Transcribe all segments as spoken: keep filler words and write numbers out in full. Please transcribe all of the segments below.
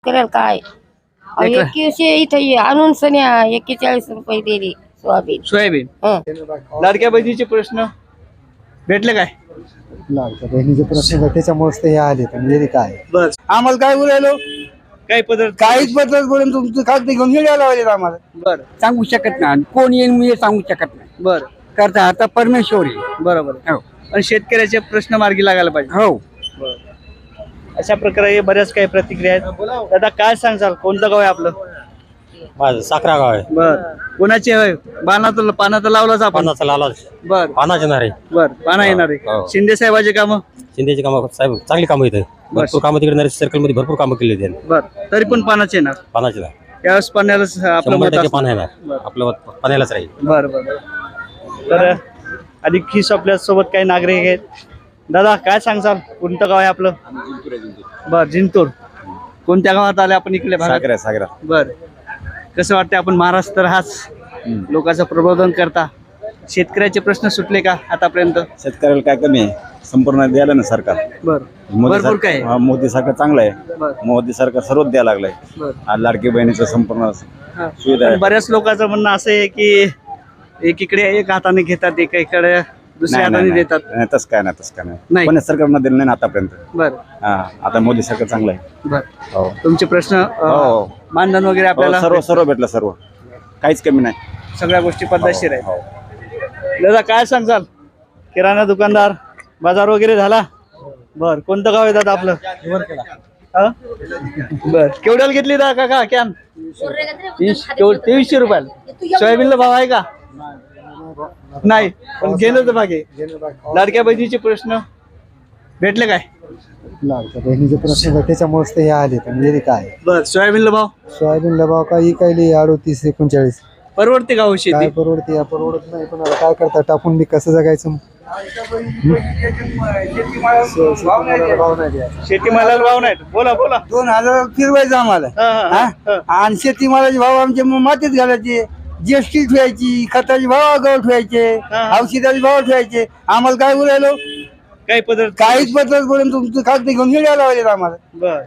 शेतकऱ्याला काय अहो, लेकरं. एकशे इथे आणून सन्या एक्केचाळीस रुपये दिली सोयाबीन. सोयाबीन. हं. लाडक्या बहिणीचे प्रश्न भेटले काय? लाडक्या बहिणीचे प्रश्न त्याच्यामुळेच ते हे आले पण गेले काय बस आम्हाला काय बोलायलो काही पद्धत काहीच बदल बोलून तुमचं कागद घेऊन यायला लावले आम्हाला. बर सांगू शकत नाही कोण येईल मी सांगू शकत नाही. बर करता आता परमेश्वर आहे. बरोबर हो पण शेतकऱ्याचे प्रश्न मार्गी लागायला पाहिजे. हो अशा प्रकारे बऱ्याच काही प्रतिक्रिया आहेत. दादा काय सांगसाल कोणतं गाव आहे आपलं? माझं साखरा गाव आहे. बर कोणाचे होय पानाचं पानाचं लावलाच आपण. पानाचा लाला बर पानाचे नाही बर पाना येणार आहे. हो. शिंदे साहेबाचे काम. शिंदेची कामं साहेब चांगली कामं येते भरपूर कामं तिकडे नरेश सर्कल मध्ये भरपूर कामं केली त्यांनी. बर तरी पण पानाचे येणार पानाचे नाही त्यावेळेस पाण्याला आपलं शंभर मत टक्के असणार. पान येणार आपलं मत पाण्यालाच राहील. बर बर तर अधिक खिस आपल्या सोबत काही नागरिक आहेत. दादा काय सांगसाल कोणतं गाव आहे आपलं? बर जिंतूर. कोणत्या गावात आले आपण इकडे भागात? सागरा सागरा बर कसं वाटतं आपण महाराष्ट्र हाच लोकांचं प्रबोधन करता शेतकऱ्याचे प्रश्न सुटले का आतापर्यंत? शेतकऱ्याला काय कमी आहे संपूर्ण द्यायला ना सरकार. बर मोदी भरपूर सर- काय हा, मोदी सरकार चांगलं आहे. बर मोदी सरकार सर्वच द्यायला लागलंय. बर आज लाडकी बहिणीचं संपूर्ण हा. सुविधा आहे. पण बऱ्याच लोकांचं म्हणणं असं आहे की एकीकडे एक हाताने घेतात एकीकडे दुसऱ्या नाही, हाताने नाही, देतात. नाही, नाही, तसं काय नाही तसं काय नाही. नाही पण सरकारनं दिलं नाही ना आतापर्यंत. बर हा आता मोदी सरकार चांगलं आहे. बर हो तुमचे प्रश्न अं, हो. मानधन वगैरे हो, आपल्याला सर्व सर्व भेटलं सर्व काहीच कमी नाही. सगळ्या गोष्टी पद्धतशीर आहेत. हो. दादा काय सांगचाल किराणा दुकानदार बाजार वगैरे झाला? बर कोणतं गाव आहे दादा आपलं? हा? बर केवढ्याला घेतली दादा काका कॅन? तेवीसशे रुपयाला. सोयाबीनला भाव आहे का? नाही पण गेलं तर मागे. लाडक्या बहिणीचे प्रश्न भेटले काय? लाडक्या बहिणीचे प्रश्न त्याच्यामुळेच ते हे आले पण गेले काय बर सोयाबीनला भाव सोयाबीनला भाव काय इकायले अडोतीस एकोणचाळीस परवडते का हो काय शेती? परवडते या परवडत नाही पण आता काय करता टाकून बी कसं जगायचं भाव नाही द्यायचा. शेतीमालाला भाव नाही. बोला बोला. दोन हजार फिरवायचं आम्हाला हा, हा, हा, हा. आणि शेतीमालाचे भाव आमचे मग मातीत घालायचे. जीएसटी ठेवायची खताचे भाव आगाऊ ठेवायचे हा. औषधाचे भाव ठेवायचे. आम्हाला काय बोलायलो काही पद्धत काहीच बदल बोलून तुमचं कागद घेऊन यायला लावले आम्हाला. बर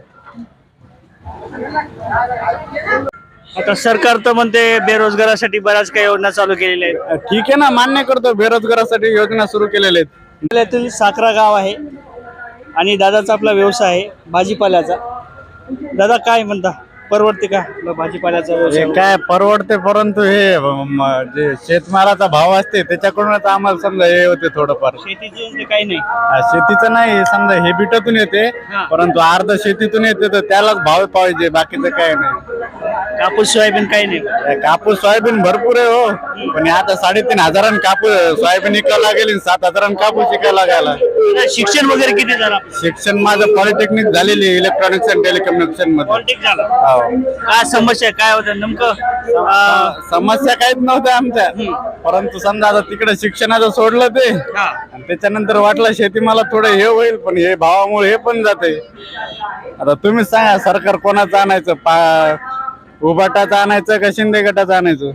आता सरकार तर म्हणते बेरोजगारासाठी बऱ्याच काही योजना चालू केलेल्या आहेत. ठीक आहे ना मान्य करतो बेरोजगारासाठी योजना सुरू केलेल्या आहेत. जिल्ह्यातील साखरा गाव आहे आणि दादाचा आपला व्यवसाय आहे भाजीपाल्याचा. दादा काय म्हणता परवडते का आपला भाजीपाल्याचा व्यवसाय? हे काय परवडते परंतु हे म, जे शेतमालाचा भाव असते त्याच्याकडूनच आम्हाला समजा हे होते थोडंफार. शेतीचे म्हणजे काही नाही. हा, शेतीचं नाही समजा हे बिटातून येते हा. परंतु अर्ध शेतीतून येते तर त्यालाच भाव पाहिजे बाकीचं काय नाही. कापूस सोयाबीन काही नाही. हे कापूस सोयाबीन भरपूर आहे हो पण हे आता साडेतीन हजारांनी कापूस सोयाबीन विकायला लागेल सात हजारांनी कापूस विकायला लागायला. दादा, शिक्षण वगैरे किती झालं आपलं? शिक्षण माझं पॉलिटेक्निक झालेली इलेक्ट्रॉनिक्स अँड टेलिकम्युनिकेशन मध्ये. पॉलिटिक्स झालं. हो. काय समस्या आहे? काय होतं नेमकं? अं, समस्या काहीच नव्हत्या आमच्या परंतु समजा आता तिकडे शिक्षणाचं सोडलं ते हा. आणि त्याच्यानंतर वाटलं शेती मला थोडं हे होईल पण हे भावामुळे हे पण जाते. आता तुम्हीच सांगा सरकार कोणाचं आणायचं पा उभाटाचं आणायचं का शिंदे गटाचं आणायचं?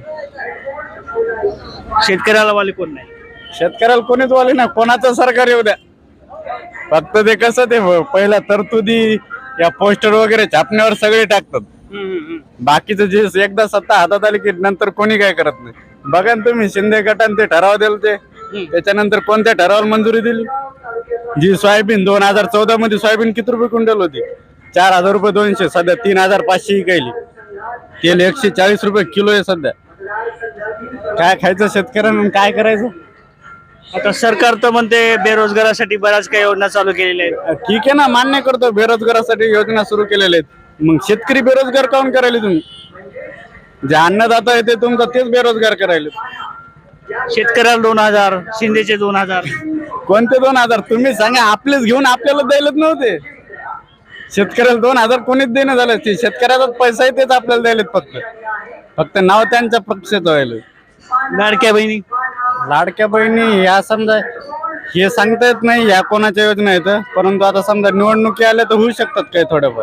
शेतकऱ्याला वाले कोण नाही. शेतकऱ्याला कोणीच वाले ना कोणाचं सरकार येऊ द्या फक्त ते कसं ते पहिल्या तरतुदी या पोस्टर वगैरे छापण्यावर सगळे टाकतात. बाकीचं जे एकदा सत्ता हातात आली की नंतर कोणी काय करत नाही. बघा ना तुम्ही शिंदे गटाने ते ठराव दिले ते त्याच्यानंतर कोणत्या ठरावाला मंजुरी दिली? जी सोयाबीन दोन हजार चौदा मध्ये सोयाबीन किती रुपये क्विंटल होती? चार हजार रुपये दोनशे सध्या तीन हजार पाचशे विकायली. तेल एकशे चाळीस रुपये किलो आहे सध्या. काय खायचं शेतकऱ्यांना काय करायचं? आता सरकार तर म्हणते बेरोजगारासाठी बऱ्याच काही योजना चालू केलेल्या आहेत. ठीक आहे ना मान्य करतो बेरोजगारासाठी योजना सुरू केलेल्या आहेत. मग शेतकरी बेरोजगार काऊन करायले तुम्ही? जे अन्नदाता आहे ते तुमचा तेच बेरोजगार करायले. शेतकऱ्याला दोन हजार शिंदेचे दोन हजार कोणते दोन हजार तुम्ही सांगा? आपलेच घेऊन आपल्याला द्यायलाच नव्हते. शेतकऱ्याला दोन हजार कोणीच देणं झालं. ते शेतकऱ्याचा पैसा आहे तेच आपल्याला द्यायलेत फक्त फक्त नाव त्यांच्या पक्षाचं व्हायला. लाडक्या बहिणी लाडक्या बहिणी या समजा हे सांगता येत नाही या कोणाच्या योजना आहेत परंतु आता समजा निवडणुकी आल्या तर होऊ शकतात काही थोडंफार.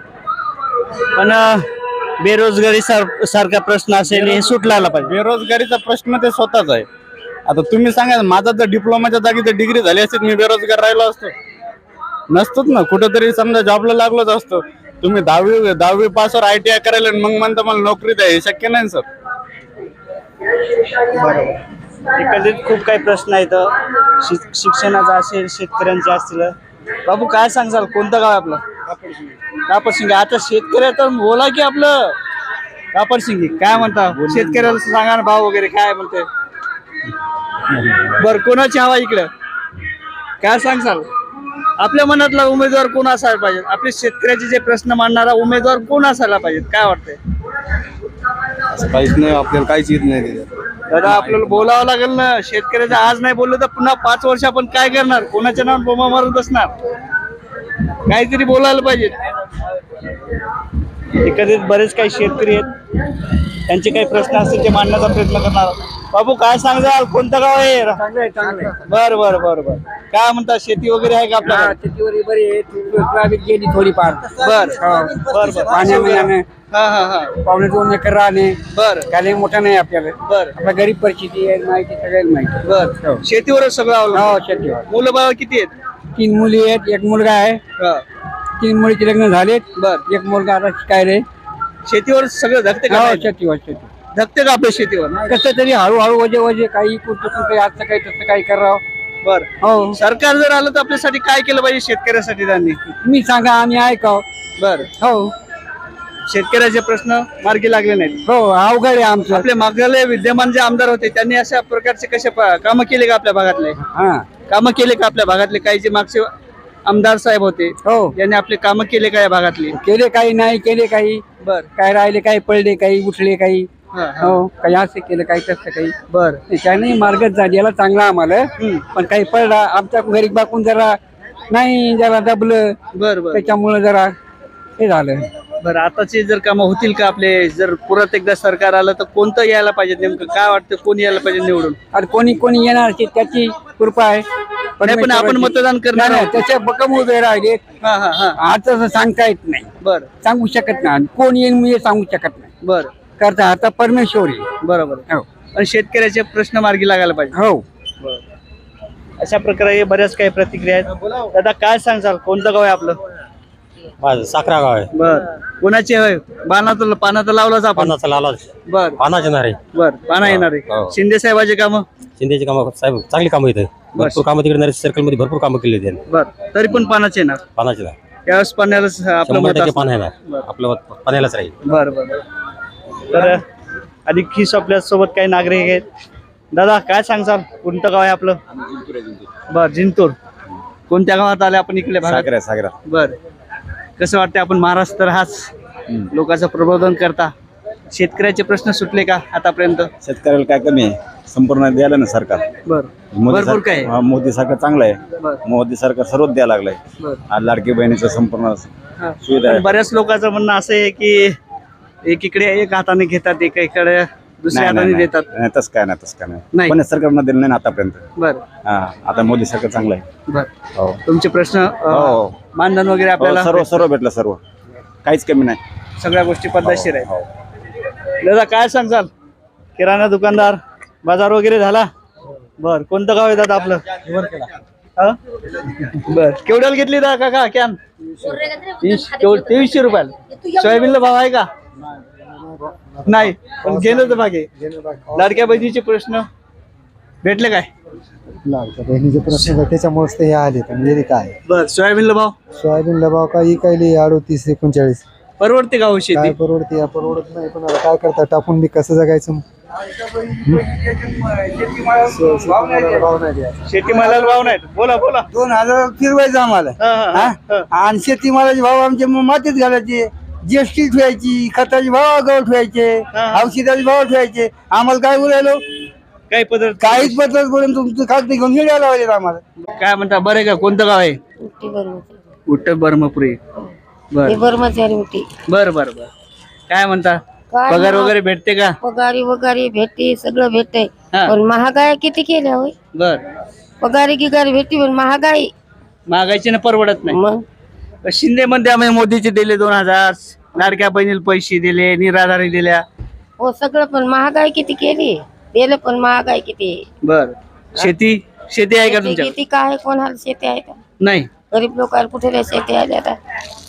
पण अं, बेरोजगारी सार- सारखा प्रश्न असेल हे सुटला पाहिजे. बेरोजगारीचा प्रश्न ते स्वतःच आहे. आता तुम्ही सांगा माझा जर डिप्लोमाच्या जागी जर डिग्री झाली असती मी बेरोजगार राहिलो असतो? नसतोच ना. कुठेतरी समजा जॉबला लागलोच असतो. तुम्ही दहावी दहावी पासवर आय टी आय करायला आणि मग म्हणता मला नोकरी द्या, हे शक्य नाही सर. एकंदरीत खूप काही प्रश्न आहेत. शिक- शिक्षणाचा असेल, शेतकऱ्यांचे असतील. बाबू काय सांगसाल, कोणतं गाव आहे आपलं? कापडसिंगी. आता शेतकऱ्या तर बोला की आपलं कापडसिंगी काय म्हणता, शेतकऱ्याला सांगा ना भाव वगैरे काय म्हणते. बर, कोणाची हवा इकडं काय सांगसाल? आपल्या मनातला उमेदवार कोण असायला पाहिजे? आपले शेतकऱ्याचे जे प्रश्न मांडणारा उमेदवार कोण असायला पाहिजे, काय वाटतंय? काहीच नाही, आपल्याला काहीच येत नाही. दादा आपल्याला बोलावं लागेल ना. शेतकऱ्याचं आज नाही बोललं तर पुन्हा पाच वर्ष आपण काय करणार? कोणाच्या नावात बोंबा मारत बसणार? काहीतरी बोलायला पाहिजे. एकंदरीत बरेच काही शेतकरी आहेत, त्यांचे काही प्रश्न असतील ते मांडण्याचा प्रयत्न करणार. बाबू काय सांगाल, कोणतं गाव आहे? बर बर बर बर काय म्हणतात, शेती वगैरे आहे का आपल्याला? शेतीवर बरी गेली थोडीफार. बर बर बर पाण्याने हा हा हा पावणे दोन एकर राहणे बर त्याला मोठा नाही आपल्याला. बर आपल्या गरीब परिस्थिती आहे, माहिती सगळ्याला माहिती. बर शेतीवरच सगळं हो अवलंबून. शेतीवर. मुलं बाळ किती आहेत? तीन मुली आहेत, एक मुलगा आहे. हा. तीन मुलीचे लग्न झालेत. बर एक मुलगा आता शिकायले. शेतीवर सगळं धकते का? हो शेतीवर शेती धकते का आपल्या शेतीवर? कसं तरी हळूहळू वजे वजे काही कुठं कुठं असं काही तसं काही करावं. बर हो सरकार जर आलं तर आपल्यासाठी काय केलं पाहिजे शेतकऱ्यासाठी त्यांनी? तुम्ही सांगा, आम्ही ऐकाव. बर हो शेतकऱ्याचे प्रश्न मार्गी लागले नाहीत. हो अवघड आहे आमचं. आपले मागले विद्यमान जे आमदार होते त्यांनी अशा प्रकारचे कसे कामं केले का आपल्या भागातले? हा कामं केले का आपल्या भागातले? काही जे मागचे आमदार साहेब होते हो यांनी आपले कामं केले का या भागातले? केले काही नाही केले काही. बर काय राहिले काही पडले काही उठले काही. हा, हा. हो काही असं केलं काही तसं काही. बर त्याने मार्गच झालेला चांगला आम्हाला. हम्म. पण काही पडला आमच्या गरीब बाकून जरा नाही जरा दबलं, बर बर त्याच्यामुळे जरा हे झालं. बर आताचे जर कामं होतील का आपले? जर परत एकदा सरकार आलं तर कोणतं यायला पाहिजे? नेमकं काय वाटतं, कोण यायला पाहिजे निवडून? आणि कोणी कोणी येणार ते त्याची कृपा आहे. नाही, पण आपण मतदान करणार नाही, आहोत. त्याच्या बकम उभे राहिले. हा हा हा आता असं सांगता येत नाही, बर सांगू शकत नाही. आणि कोण येईल मी हे सांगू शकत नाही. बर करता आता परमेश्वर आहे. बरोबर. हो आणि शेतकऱ्याचे प्रश्न मार्गी लागायला पाहिजे. हो अशा प्रकारे बऱ्याच काही प्रतिक्रिया आहेत. दादा काय सांगसाल, कोणतं गाव आहे आपलं? माझं साखरा गाव आहे. बर कोणाचे होय? पानात पानात लावलाच आपण. पानाचा लाला बर पानाचे नारे. बर पाना येणार आहे. हो. शिंदे साहेबाचे काम. शिंदेची कामं साहेब चांगली कामं येतं. भरपूर कामं तिकडे नरेश सर्कल मध्ये भरपूर कामं केली त्यांनी. बर तरी पण पानाचे येणार. पानाचे नारे त्यावेळेस पाण्यालाच आपलं शंभर मत टक्के असतं. पान येणार. आपलं मत पाण्यालाच राहील. बर बर तर अधिक खिस आपल्या सोबत काही नागरिक आहेत. दादा काय सांगसाल, कोणतं गाव आहे आपलं? बर जिंतूर. कोणत्या गावात आले आपण इकडे भागात? सागरा सागरा बर कसं वाटतं, आपण महाराष्ट्र हाच लोकांचं प्रबोधन करता, शेतकऱ्याचे प्रश्न सुटले का आतापर्यंत? शेतकऱ्याला काय कमी आहे, संपूर्ण द्यायला ना सरकार. बर मोदी भरपूर काय आहे? सरकार मोदी सरकार चांगलं आहे. बर मोदी सरकार सर्वच द्यायला लागलंय. बर आज लाडकी बहिणीचं संपूर्ण हा. सुविधा आहे. पण बऱ्याच लोकांचं म्हणणं असं आहे की एकीकडे एक हाताने घेतात, एकीकडे दुसऱ्या नाही, हाताने नाही, देतात. नाही, तसं काय नाही तसं काय नाही. नाही पण सरकारनं दिलं नाही ना आतापर्यंत. बर हा आता मोदी सरकार चांगलं आहे. बर हो तुमचे प्रश्न अ, हो. मानधन वगैरे हो, आपल्याला सर्व सर्व भेटलं, सर्व काहीच कमी नाही. सगळ्या गोष्टी पद्धतशीर आहे. हो. दादा काय सांगचाल, किराणा दुकानदार बाजार वगैरे झाला? बर कोणतं गाव आहे दादा आपलं? हा? बर केवढ्याला घेतली दादा काका कॅन? तीस- केवढ- तेवीसशे रुपयाला. सोयाबीनला भाव आहे का? नाही पण गेलं तर मागे. लाडक्या बहिणीचे प्रश्न भेटले काय? लाडक्या बहिणीचे प्रश्न आहे, त्याच्यामुळेच ते हे आले. पण गेले काय बर सोयाबीनला भाव सोयाबीनला भाव काय काही अडोतीस एकोणचाळीस. परवडते का हो काय शेती? परवडते या परवडत नाही. पण आता काय करता, टाकून बी कसं जगायचं? भाव नाही द्यायचा. शेतीमालाला भाव नाही. बोला बोला. दोन हजार फिरवायचं आम्हाला. हा, हा, हा, हा. आणि शेतीमालाचे भाव आमचे मग मातीत घालायचे. जीएसटी ठेवायची, खताचे भाव आगाऊ ठेवायचे, हा. औषधाचे भाव ठेवायचे. आम्हाला काय बोलायलो, काही पद्धत काहीच बदल बोलून तुमचं खात घेऊन मिळायला लावले आम्हाला. काय म्हणता, बरं आहे का? कोणतं गाव आहे? उटी बर्मचारी. उत्तर बर्मपुरी. बर हे बर्मचारी उटी. बर बर बर काय म्हणता, काय पगार महा- वगैरे भेटते का? पगारी वगारी भेटते, सगळं भेटतंय. हा. पण महागाई किती केल्या होय? बर पगारी गिगारी भेटते पण महागाई. महागाईची ना परवडत नाही. मग शिंदे मध्ये आम्ही मोदीचे दिले दोन हजार, लाडक्या बहिणीला पैसे दिले, निराधारी दिल्या. हो सगळं पण महागाई किती केली, दिलं पण महागाई किती. बर शेती शेती आहे का शेती तुमच्या? किती काय, कोणाला शेती आहे का? नाही. गरीब लोकांना कुठे शेती आहे आता?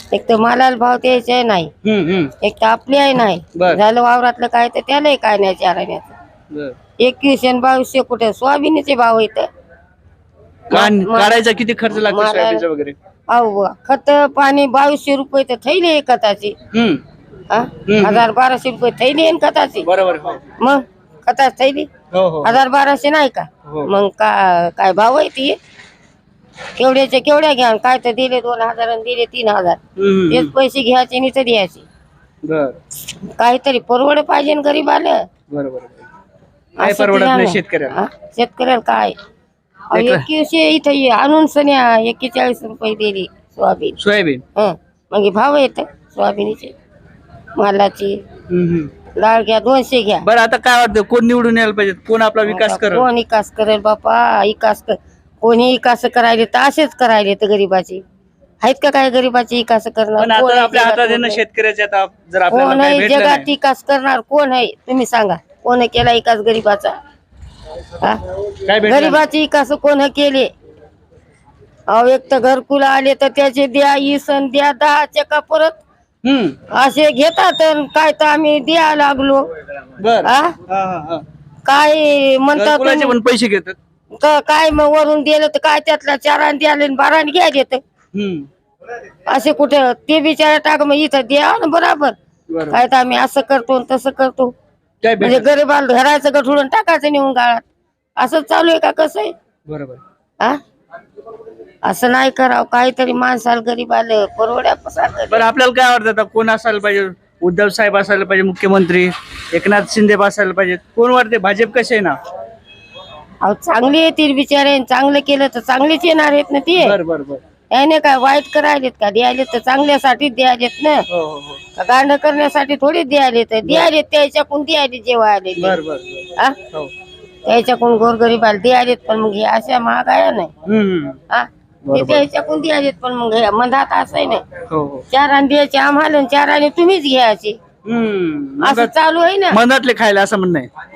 एक तर मालाला भाव द्यायचा नाही, हम्म हम्म एक तर आपली आहे नाही. बर. झालं वावरातलं काय तर त्यालाही काय नाही चाराण्याचं. बर. एकवीसशे आणि बावीसशे कुठे सोयाबीनचे भाव येत. कान- मा- काढायचा किती खर्च लागतो मला- सोयाबीनचा वगैरे? अहो खत पाणी बावीसशे रुपये तर थैली आहे खताची. हम्म हा? हजार बाराशे रुपये थैली आहे ना खताची. बरोबर हो मग खताची थैली हो हो हजार बाराशे नाही का? हो. मग का काय भाव आहे ती? केवढ्याचे केवढ्या घ्या, काय तर दिले दोन हजार आणि दिले तीन हजार. हम्म, तेच पैसे घ्यायचे आणि तर द्यायचे. बर काहीतरी परवड पाहिजे ना गरीब आलं. बरोबर काय परवडत नाही शेतकऱ्याला. शेतकऱ्याला काय अहो, लेकरं. एकवीसशे इथं ये, आणून सन्या एक्केचाळीस रुपये दिली सोयाबीन. सोयाबीन. हं मग हे भाव येत सोयाबीनचे मालाची. हम्म, हम्म. डाळ घ्या दोनशे घ्या. बरं आता काय वाटतं कोण निवडून यायला पाहिजे, कोण आपला विकास करेल? कोण विकास करेल बापा? विकास कर कोणी विकास करायले तर असेच करायले तर गरीबाची आहेत का काय? गरीबाची विकास पण करणार कोण आता आहे आपल्या हातात आहे जगात? ना शेतकऱ्याचे, आता जर आपल्याला कोण काही आहे भेटलं जगात नाही. विकास करणार? कोण आहे तुम्ही सांगा? कोण केला विकास गरीबाचा? हा? काय भेटलं नाही. गरीबाची विकास कोण केले? अहो एक तर घरकुल आले तर त्याचे द्या, इसण द्या, दहाचे का परत हम्म असे घेतात आणि काय तर आम्ही द्या लागलो. बर हा? हा, हा, हा. काय म्हणतात घरकुलाचे तुम्ही? पण पैसे घेतात. क- काय मग वरून दिलं तर काय त्यातला चाराने द्याले आणि बाराने घ्या देत हम्म असे कुठे ते बिचारा टाक मग इथं द्या ना बराबर. बरोबर. काय तर आम्ही असं करतो आणि तसं करतो काय म्हणजे भेटलं? गरीबाला धरायचं गठुडून टाकायचं नेऊन गाळात. असं चालू आहे का? कसं आहे? बरोबर. हा? असं नाही करावं. काहीतरी माणसाला गरीब आलं परवड्या. बरं आपल्याला काय वाटतं आता कोण असायला पाहिजे? उद्धव साहेब असायला पाहिजे मुख्यमंत्री, एकनाथ शिंदे असायला पाहिजे, कोण वाटते? भाजप कसे आहे ना? अहो चांगली येतील बिचारे, चांगलं केलं तर चांगलीच येणार आहेत ना ते. बर बर बर याने काय वाईट करायलेत का? द्यायलेत तर चांगल्यासाठी द्यायलेत ना. हो हो हो का गांड करण्यासाठी थोडी द्यायले तर द्यायलेत त्याच्याकडून द्यायले जेव्हा आले ते. बर बर बर. हा? हो त्याच्याकडून गोरगरीबाला द्यायलेत पण मग हे अशा महागाया नाही. हम्म हा ते बरोबर. त्याच्याकडून द्यायलेत पण मग हे मंदात असं आहे नाही. हो हो चाराने द्यायचे आम्हाला आणि चाराने तुम्हीच घ्यायचे. हम्म असं चालू आहे ना. मनातले खायला असं म्हणणं आहे.